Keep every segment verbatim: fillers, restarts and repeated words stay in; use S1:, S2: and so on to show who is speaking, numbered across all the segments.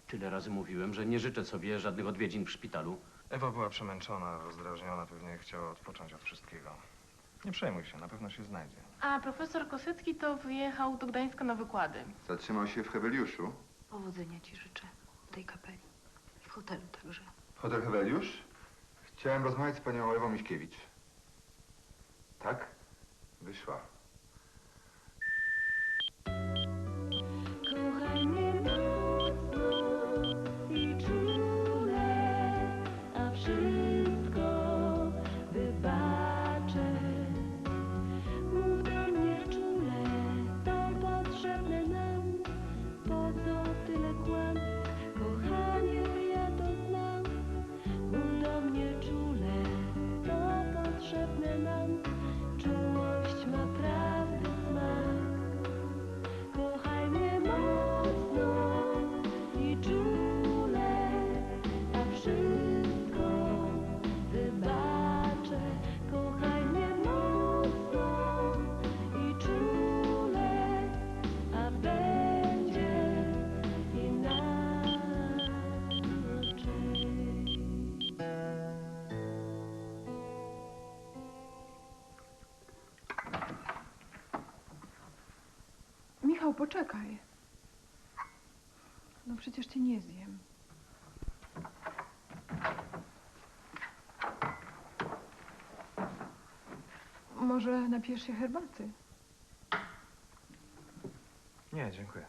S1: Tyle razy mówiłem, że nie życzę sobie żadnych odwiedzin w szpitalu.
S2: Ewa była przemęczona, rozdrażniona, pewnie chciała odpocząć od wszystkiego. Nie przejmuj się, na pewno się znajdzie.
S3: A profesor Kosycki to wyjechał do Gdańska na wykłady.
S4: Zatrzymał się w Heweliuszu.
S5: Powodzenia ci życzę w tej kapeli. W hotelu także.
S4: Hotel Heweliusz? Chciałem rozmawiać z panią Ewą Miśkiewicz. Tak? Wyszła.
S6: Kochaj mnie mocno i czule, a wszystko wybaczę. Mów do mnie czule, to potrzebne nam. Po co tyle kłam? Kochanie, ja to znam. Mów do mnie czule, to potrzebne nam. Czułość ma prawdy smak. Kochaj mnie mocno i czule, a wszystko wybaczę. Kochaj mnie mocno i czule, a będzie inaczej.
S7: Michał, poczekaj. No przecież cię nie zjem. Może napijesz się herbaty?
S2: Nie, dziękuję.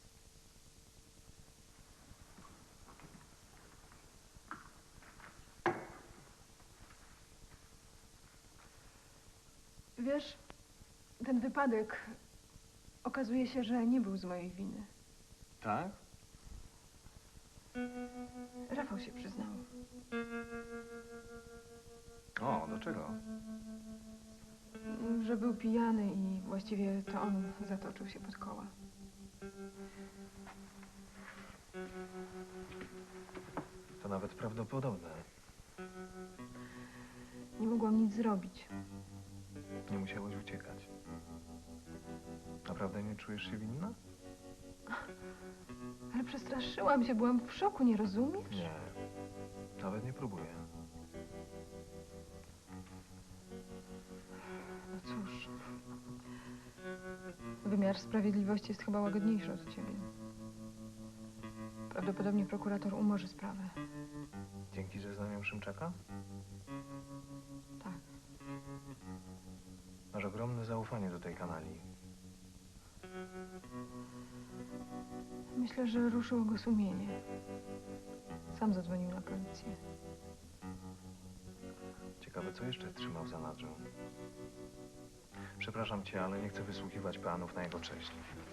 S7: Wiesz, ten wypadek okazuje się, że nie był z mojej winy.
S2: Tak?
S7: Rafał się przyznał.
S2: O, do czego?
S7: Że był pijany i właściwie to on zatoczył się pod koła.
S2: To nawet prawdopodobne.
S7: Nie mogłam nic zrobić.
S2: Nie musiałeś uciekać. Naprawdę nie czujesz się winna?
S7: Ale przestraszyłam się, byłam w szoku, nie rozumiesz?
S2: Nie. Nawet nie próbuję.
S7: No cóż. Wymiar sprawiedliwości jest chyba łagodniejszy od ciebie. Prawdopodobnie prokurator umorzy sprawę.
S2: Dzięki zeznaniom Szymczaka?
S7: Tak.
S2: Masz ogromne zaufanie do tej kanalii.
S7: Myślę, że ruszyło go sumienie. Sam zadzwonił na policję.
S2: Ciekawe, co jeszcze trzymał w zanadrzu. Przepraszam cię, ale nie chcę wysłuchiwać peanów na jego cześć.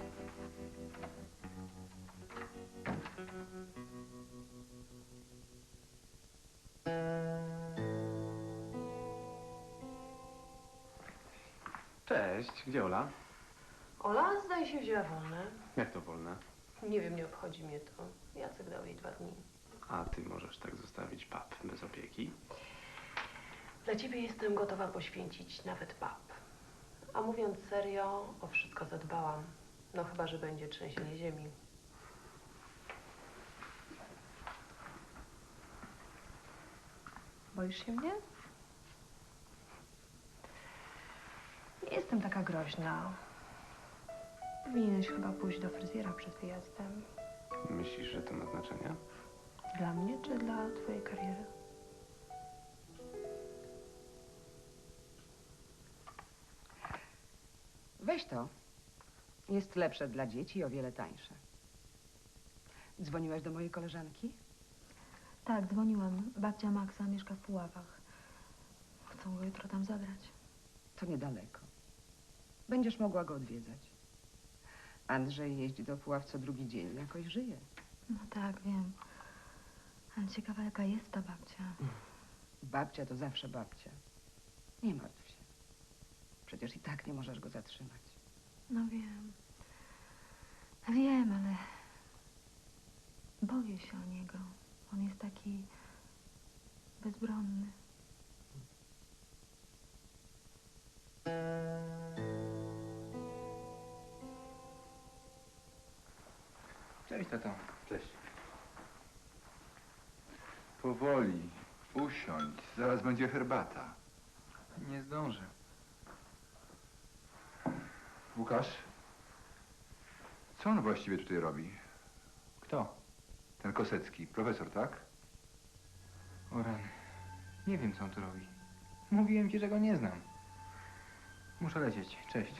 S1: Cześć, gdzie Ola?
S5: Ola, zdaje się, wzięła wolne.
S1: Jak to wolne?
S5: Nie wiem, nie obchodzi mnie to. Jacek dał jej dwa dni.
S1: A ty możesz tak zostawić pap bez opieki?
S5: Dla ciebie jestem gotowa poświęcić nawet pap. A mówiąc serio, o wszystko zadbałam. No chyba, że będzie trzęsienie ziemi. Boisz się mnie? Nie jestem taka groźna. Powinieneś chyba pójść do fryzjera przed wyjazdem.
S1: Myślisz, że to ma znaczenie?
S5: Dla mnie czy dla twojej kariery?
S8: Weź to. Jest lepsze dla dzieci i o wiele tańsze. Dzwoniłaś do mojej koleżanki?
S6: Tak, dzwoniłam. Babcia Maxa mieszka w Puławach. Chcą go jutro tam zabrać.
S8: To niedaleko. Będziesz mogła go odwiedzać. Andrzej jeździ do Puław co drugi dzień. Jakoś żyje.
S6: No tak, wiem. Ale ciekawa, jaka jest ta babcia.
S8: Babcia to zawsze babcia. Nie martw się. Przecież i tak nie możesz go zatrzymać.
S6: No wiem. Wiem, ale boję się o niego. On jest taki bezbronny.
S4: Cześć, tato.
S1: Cześć.
S4: Powoli. Usiądź. Zaraz będzie herbata.
S2: Nie zdążę.
S4: Łukasz? Co on właściwie tutaj robi?
S2: Kto?
S4: Ten Kosecki. Profesor, tak?
S2: O rany. Nie wiem, co on tu robi. Mówiłem ci, że go nie znam. Muszę lecieć. Cześć.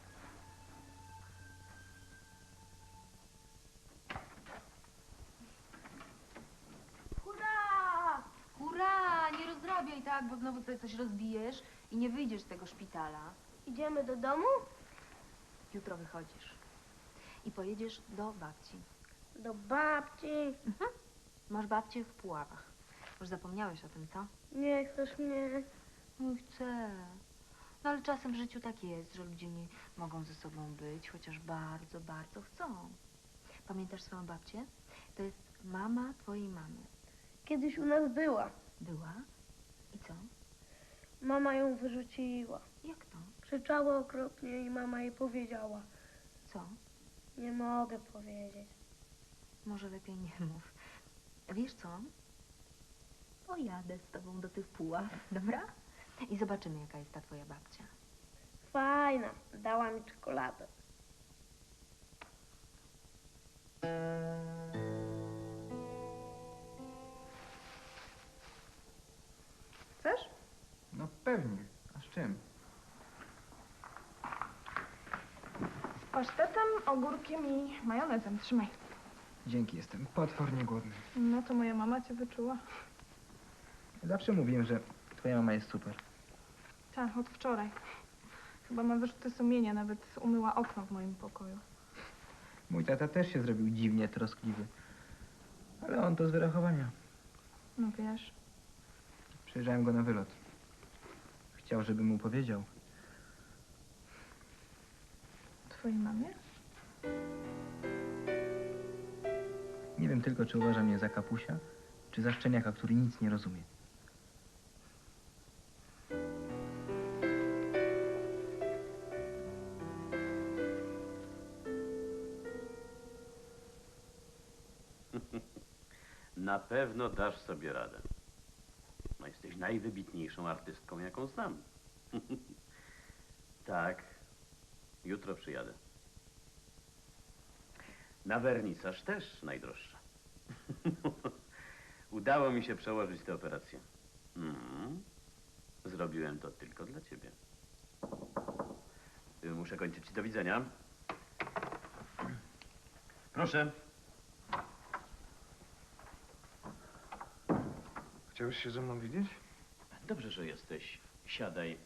S6: Hurra! Hurra! Nie rozrabiaj tak, bo znowu sobie coś rozbijesz i nie wyjdziesz z tego szpitala.
S9: Idziemy do domu?
S6: Jutro wychodzisz i pojedziesz do babci.
S9: Do babci.
S6: Masz babcię w Puławach. Już zapomniałeś o tym, co?
S9: Nie chcesz mnie.
S6: No chcę. No ale czasem w życiu tak jest, że ludzie nie mogą ze sobą być, chociaż bardzo, bardzo chcą. Pamiętasz swoją babcię? To jest mama twojej mamy.
S9: Kiedyś u nas była.
S6: Była? I co?
S9: Mama ją wyrzuciła.
S6: Jak to?
S9: Krzyczała okropnie i mama jej powiedziała.
S6: Co?
S9: Nie mogę powiedzieć.
S6: Może lepiej nie mów. Wiesz co? Pojadę z tobą do tych Puław, dobra? I zobaczymy, jaka jest ta twoja babcia.
S9: Fajna. Dała mi czekoladę.
S7: Chcesz?
S2: No pewnie. A z czym?
S7: Z pasztetem, ogórkiem i majonezem. Trzymaj.
S2: Dzięki, jestem potwornie głodny.
S7: No to moja mama cię wyczuła.
S2: Zawsze mówiłem, że twoja mama jest super.
S7: Tak, od wczoraj. Chyba ma wyrzuty sumienia, nawet umyła okno w moim pokoju.
S2: Mój tata też się zrobił dziwnie troskliwy. Ale on to z wyrachowania.
S7: No wiesz.
S2: Przyjrzałem go na wylot. Chciał, żebym mu powiedział.
S7: Twojej mamie?
S2: Nie wiem tylko, czy uważa mnie za kapusia, czy za szczeniaka, który nic nie rozumie.
S1: Na pewno dasz sobie radę. No, jesteś najwybitniejszą artystką, jaką znam. Tak. Jutro przyjadę. Na wernisaż też najdroższa. Udało mi się przełożyć tę operację. Mm. Zrobiłem to tylko dla ciebie. Muszę kończyć. Do widzenia. Proszę.
S2: Chciałeś się ze mną widzieć?
S1: Dobrze, że jesteś. Siadaj.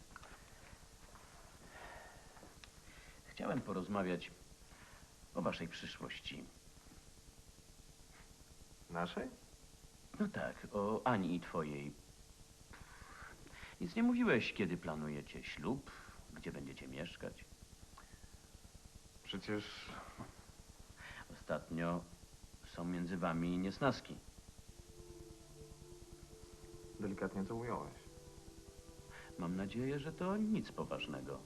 S1: Chciałem porozmawiać o waszej przyszłości.
S2: Naszej?
S1: No tak, o Ani i twojej. Nic nie mówiłeś, kiedy planujecie ślub, gdzie będziecie mieszkać.
S2: Przecież...
S1: Ostatnio są między wami niesnaski.
S2: Delikatnie to ująłeś.
S1: Mam nadzieję, że to nic poważnego.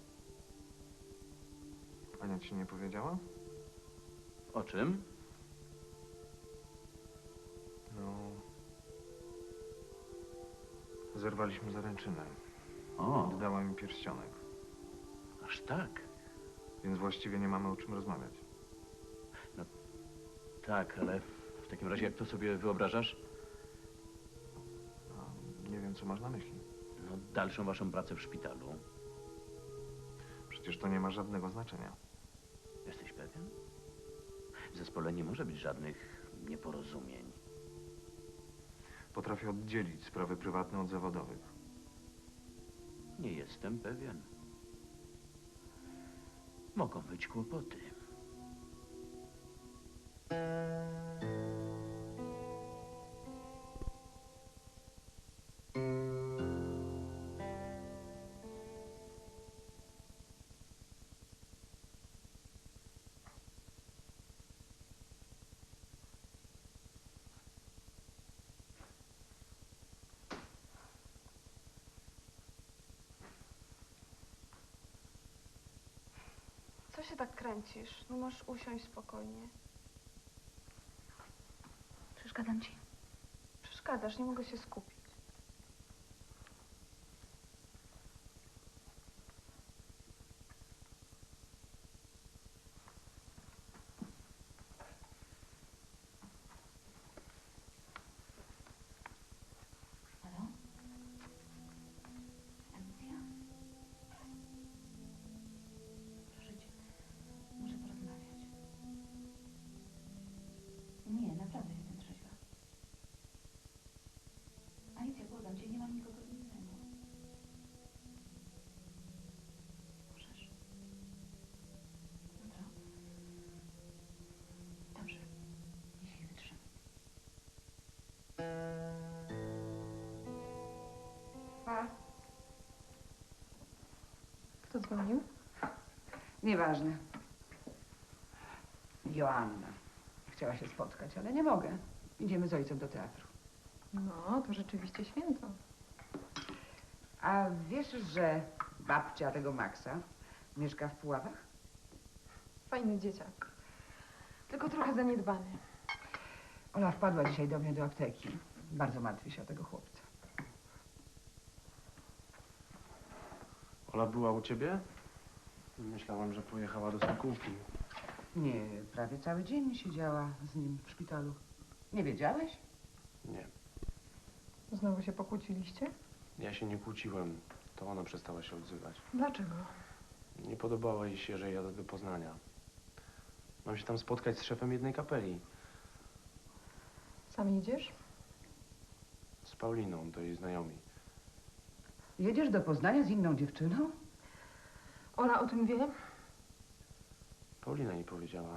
S2: Ania ci nie powiedziała?
S1: O czym?
S2: No... Zerwaliśmy zaręczynę.
S1: O,
S2: Oddała mi pierścionek.
S1: aż tak.
S2: Więc właściwie nie mamy o czym rozmawiać.
S1: Tak, ale w takim razie jak to sobie wyobrażasz?
S2: A nie wiem, co masz na myśli.
S1: No, dalszą waszą pracę w szpitalu.
S2: Przecież to nie ma żadnego znaczenia.
S1: Jesteś pewien? W zespole nie może być żadnych nieporozumień.
S2: Potrafię oddzielić sprawy prywatne od zawodowych.
S1: Nie jestem pewien. Mogą być kłopoty.
S7: Co się tak kręcisz? No masz usiąść spokojnie.
S6: Przeszkadzam ci.
S7: Przeszkadzam. przeszkadzasz, nie mogę się skupić.
S6: Halo? Alicja? Proszę cię, muszę porozmawiać. Nie, naprawdę jestem trzeźwa. Alicja, błagam cię, nie mam nikogo innego. Możesz? Jutro? Dobrze, jeśli wytrzymam.
S8: A,
S7: Kto dzwonił?
S8: nieważne. Joanna. Chciała się spotkać, ale nie mogę. Idziemy z ojcem do teatru.
S7: No, to rzeczywiście święto.
S8: A wiesz, że babcia tego Maxa mieszka w Puławach?
S7: Fajny dzieciak. Tylko trochę zaniedbany.
S8: Ola wpadła dzisiaj do mnie do apteki. Bardzo martwi się o tego chłopca.
S10: Ola była u ciebie? Myślałam, że pojechała do Sokółki.
S8: Nie, prawie cały dzień siedziała z nim w szpitalu. Nie wiedziałeś?
S10: Nie,
S7: Znowu się pokłóciliście?
S10: ja się nie kłóciłem. To ona przestała się odzywać.
S7: Dlaczego?
S10: Nie podobało jej się, że jadę do Poznania. Mam się tam spotkać z szefem jednej kapeli.
S7: Sam idziesz?
S10: Z Pauliną, to jej znajomi.
S8: Jedziesz do Poznania z inną dziewczyną?
S7: Ola o tym wie?
S10: Paulina mi powiedziała.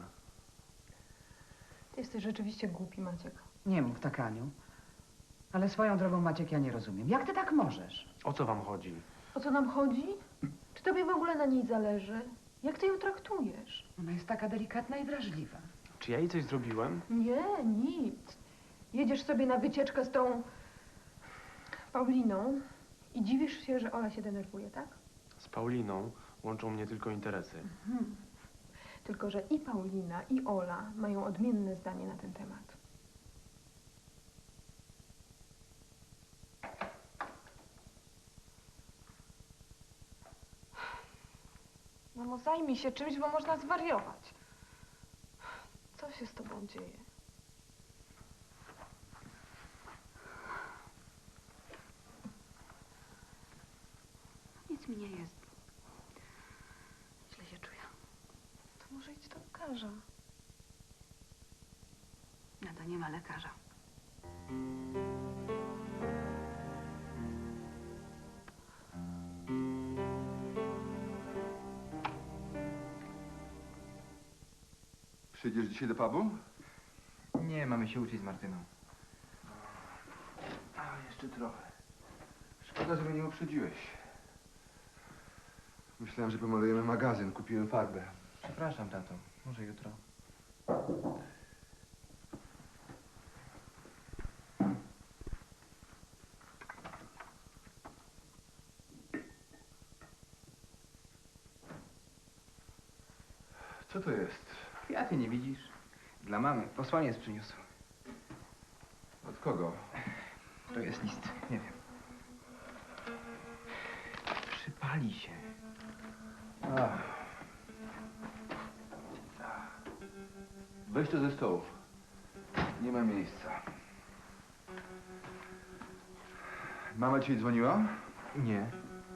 S7: Ty jesteś rzeczywiście głupi, Maciek.
S8: Nie mów tak, Aniu. Ale swoją drogą, Maciek, ja nie rozumiem. Jak ty tak możesz?
S10: O co wam chodzi?
S7: O co nam chodzi? Czy tobie w ogóle na niej zależy? Jak ty ją traktujesz?
S8: Ona jest taka delikatna i wrażliwa.
S10: Czy ja jej coś zrobiłem?
S7: Nie, nic. Jedziesz sobie na wycieczkę z tą Pauliną i dziwisz się, że Ola się denerwuje, tak?
S10: Z Pauliną łączą mnie tylko interesy.
S7: Mhm. Tylko, że i Paulina, i Ola mają odmienne zdanie na ten temat. Mamo, zajmij się czymś, bo można zwariować. Co się z tobą dzieje?
S6: Nic mi nie jest. Źle się czuję.
S7: To może idź do lekarza.
S6: Nada, nie ma lekarza.
S4: Przyjdziesz dzisiaj do pubu?
S2: Nie, mamy się uczyć z Martyną.
S4: A, jeszcze trochę. Szkoda, że mnie nie uprzedziłeś. Myślałem, że pomalujemy magazyn. Kupiłem farbę.
S2: Przepraszam, tato. Może jutro.
S4: Co to jest?
S2: Kwiaty nie widzisz? Dla mamy. Posłaniec przyniósł.
S4: Od kogo?
S2: To jest list. Nie wiem. Przypali się.
S4: A. Weź to ze stołu. Nie ma miejsca. Mama ci dzwoniła?
S2: Nie.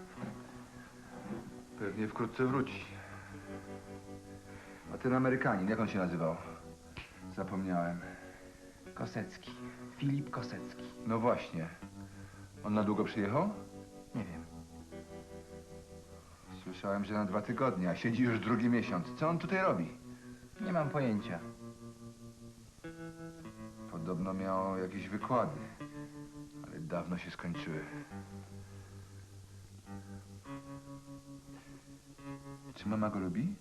S4: Pewnie wkrótce wróci. A ten Amerykanin, jak on się nazywał? Zapomniałem.
S2: Kosecki. Filip Kosecki.
S4: No właśnie. On na długo przyjechał?
S2: Nie wiem.
S4: Słyszałem, że na dwa tygodnie, a siedzi już drugi miesiąc. Co on tutaj robi?
S2: Nie mam pojęcia.
S4: Podobno miał jakieś wykłady, ale dawno się skończyły. Czy mama go lubi?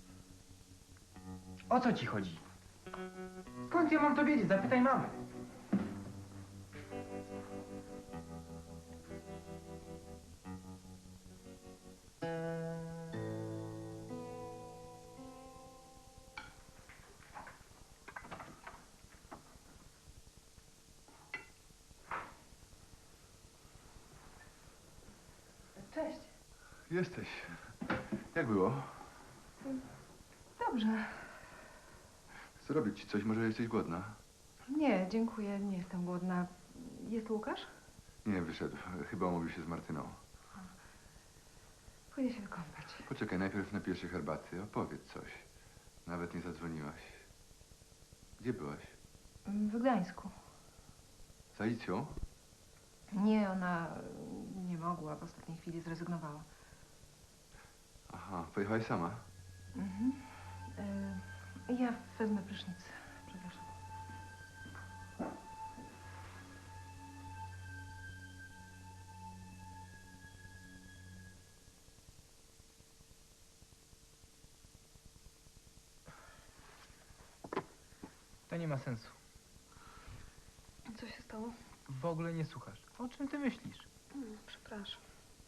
S2: O co ci chodzi? Skąd ja mam to wiedzieć? Zapytaj mamy.
S4: Jesteś. Jak było?
S8: Dobrze.
S4: Zrobić ci coś, może jesteś głodna?
S8: Nie, dziękuję, nie jestem głodna. Jest Łukasz?
S4: Nie, wyszedł. Chyba umówił się z Martyną.
S8: Pójdę się wykąpać.
S4: Poczekaj, najpierw napijesz się herbaty. Opowiedz coś. Nawet nie zadzwoniłaś. Gdzie byłaś?
S8: W Gdańsku.
S4: Z Alicją?
S8: Nie, ona nie mogła, w ostatniej chwili zrezygnowała.
S4: Aha, pojechałaś sama?
S8: Mhm. Y, ja wezmę prysznic. Przepraszam.
S2: To nie ma sensu.
S7: Co się stało?
S2: W ogóle nie słuchasz. O czym ty myślisz?
S7: Mm, Przepraszam.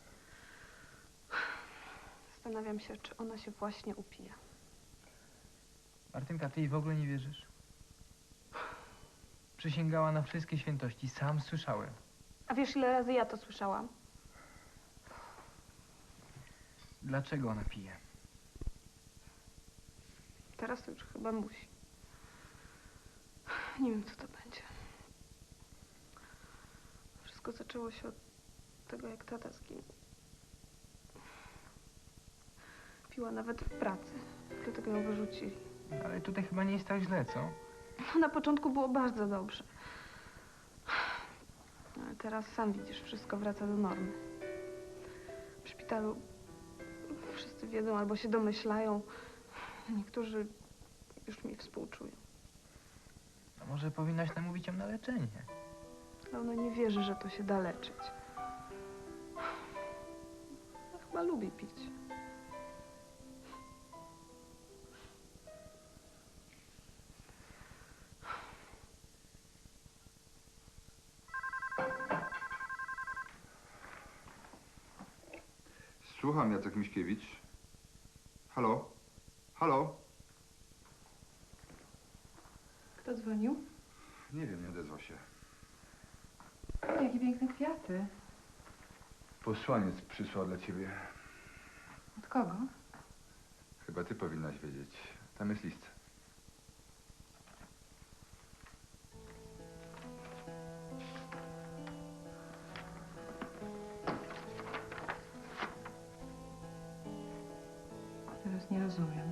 S7: Zastanawiam się, czy ona się właśnie upija.
S2: Martynka, ty jej w ogóle nie wierzysz? Przysięgała na wszystkie świętości. Sam słyszałem.
S7: A wiesz, ile razy ja to słyszałam?
S2: Dlaczego ona pije?
S7: Teraz to już chyba musi. Nie wiem, co to będzie. Wszystko zaczęło się od tego, jak tata zginął. Piła nawet w pracy. Dlatego ją wyrzucili.
S2: Ale tutaj chyba nie jest tak źle, co?
S7: No, na początku było bardzo dobrze. Ale teraz sam widzisz, wszystko wraca do normy. W szpitalu wszyscy wiedzą albo się domyślają. Niektórzy już mi współczują.
S2: A może powinnaś namówić ją na leczenie?
S7: Ale ona nie wierzy, że to się da leczyć. Ona chyba lubi pić.
S4: Słucham, Jacek Miśkiewicz. Halo? Halo?
S8: Kto dzwonił?
S4: Nie wiem, nie odezwał się.
S8: O, jakie piękne kwiaty.
S4: Posłaniec przysłał dla ciebie.
S8: Od kogo?
S4: Chyba ty powinnaś wiedzieć. Tam jest list.
S8: Teraz nie rozumiem.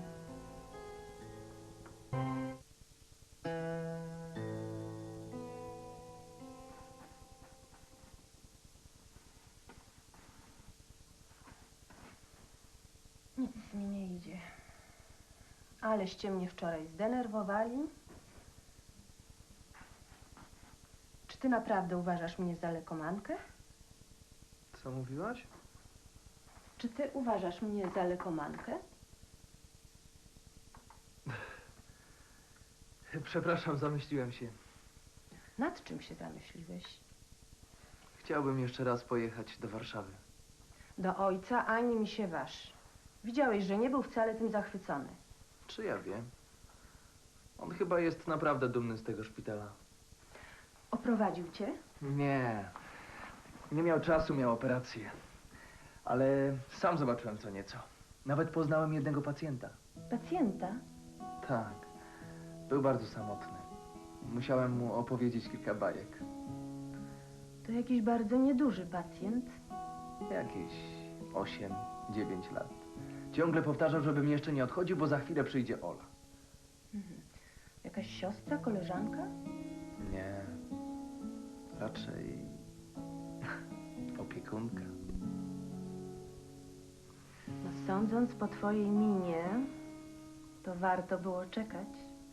S5: Nic mi nie idzie. Aleście mnie wczoraj zdenerwowali. Czy ty naprawdę uważasz mnie za lekomankę?
S10: Co mówiłaś?
S5: Czy ty uważasz mnie za lekomankę?
S10: Przepraszam, zamyśliłem się.
S5: Nad czym się zamyśliłeś?
S10: Chciałbym jeszcze raz pojechać do Warszawy.
S5: Do ojca ani mi się waż. Widziałeś, że nie był wcale tym zachwycony.
S10: Czy ja wiem? On chyba jest naprawdę dumny z tego szpitala.
S5: Oprowadził cię?
S10: Nie. Nie miał czasu, miał operację. Ale sam zobaczyłem co nieco. Nawet poznałem jednego pacjenta.
S5: Pacjenta?
S10: Tak. Był bardzo samotny. Musiałem mu opowiedzieć kilka bajek.
S5: To jakiś bardzo nieduży pacjent.
S10: Jakieś osiem, dziewięć lat. Ciągle powtarzał, żebym jeszcze nie odchodził, bo za chwilę przyjdzie Ola.
S5: Mhm. Jakaś siostra, koleżanka?
S10: Nie. Raczej opiekunka.
S5: No, sądząc po twojej minie, to warto było czekać.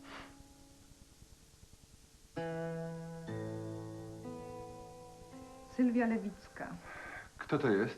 S8: Sylwia Lewicka.
S4: Kto to jest?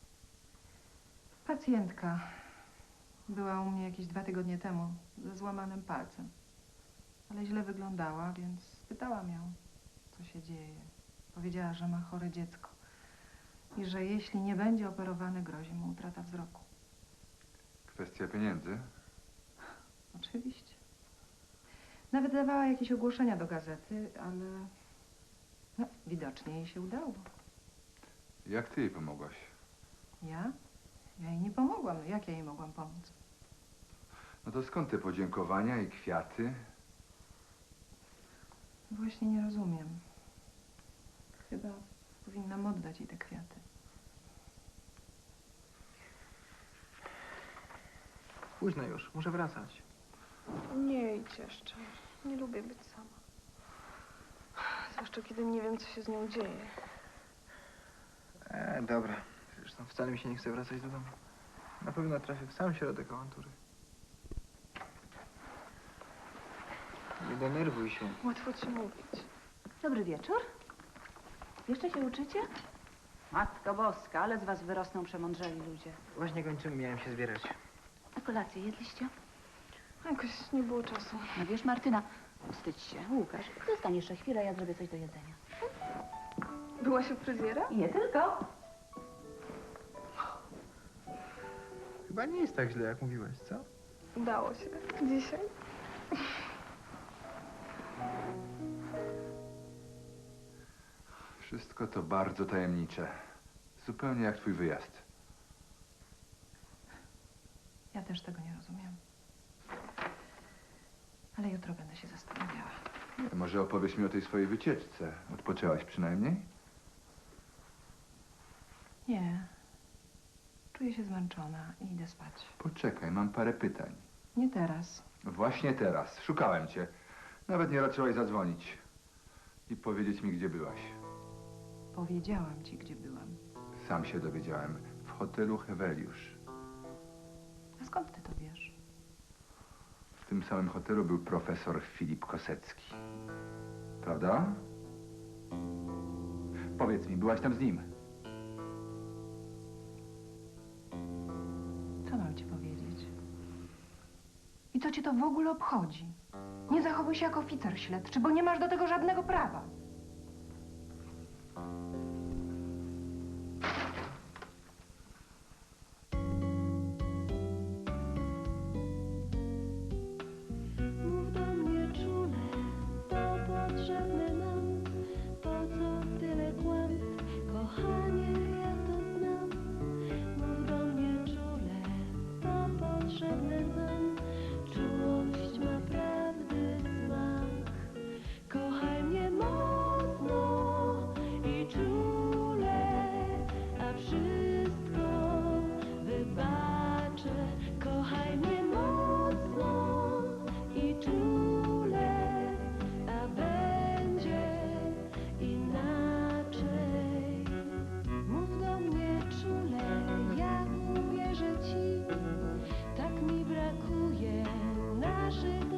S8: Pacjentka. Była u mnie jakieś dwa tygodnie temu ze złamanym palcem. Ale źle wyglądała, więc spytałam ją, co się dzieje. Powiedziała, że ma chore dziecko i że jeśli nie będzie operowany, grozi mu utrata wzroku.
S4: Kwestia pieniędzy?
S8: Oczywiście. Nawet dawała jakieś ogłoszenia do gazety, ale no, widocznie jej się udało.
S4: Jak ty jej pomogłaś?
S8: Ja? Ja jej nie pomogłam. No jak ja jej mogłam pomóc?
S4: No to skąd te podziękowania i kwiaty?
S8: Właśnie nie rozumiem. Chyba powinnam oddać jej te kwiaty.
S2: Późno już, muszę wracać.
S7: Nie idź jeszcze. Nie lubię być sama. Zwłaszcza kiedy nie wiem, co się z nią dzieje.
S2: E, dobra. Zresztą wcale mi się nie chce wracać do domu. Na pewno trafię w sam środek awantury. Nie denerwuj się.
S7: Łatwo ci mówić.
S11: Dobry wieczór. Jeszcze się uczycie? Matko Boska, ale z was wyrosną przemądrzeli ludzie.
S2: Właśnie kończymy, miałem się zbierać.
S11: A kolację jedliście?
S7: Jakoś nie było czasu.
S11: No wiesz, Martyna, wstydź się. Łukasz, zostań jeszcze chwilę, ja zrobię coś do jedzenia.
S7: Byłaś u fryzjera?
S11: I nie tylko.
S2: Chyba nie jest tak źle, jak mówiłeś, co?
S7: Udało się. Dzisiaj.
S4: Wszystko to bardzo tajemnicze. Zupełnie jak twój wyjazd.
S8: Ja też tego nie rozumiem. Ale jutro będę się zastanawiała.
S4: Nie, może opowiesz mi o tej swojej wycieczce. Odpoczęłaś przynajmniej?
S8: Nie. Czuję się zmęczona i idę spać.
S4: Poczekaj, mam parę pytań.
S8: Nie teraz.
S4: Właśnie teraz. Szukałem cię. Nawet nie raczyłaś zadzwonić i powiedzieć mi, gdzie byłaś.
S8: Powiedziałam ci, gdzie byłam.
S4: Sam się dowiedziałem. W hotelu Heweliusz.
S8: A skąd ty to wiesz?
S4: W tym samym hotelu był profesor Filip Kosecki. Prawda? Powiedz mi, byłaś tam z nim?
S8: Co mam ci powiedzieć? I co cię to w ogóle obchodzi? Nie zachowuj się jak oficer śledczy, bo nie masz do tego żadnego prawa.
S9: Mów do mnie czule, to potrzebne nam. Po co tyle kłamstw, kochanie, ja to znam. Mów do mnie czule, to potrzebne nam. Czułość ma prawdy smak. Kochaj mnie mocno i czule, a wszystko wybaczę. Kochaj mnie mocno i czule, a będzie inaczej. Mów do mnie czule, ja uwierzę ci. Tak mi brakuje naszych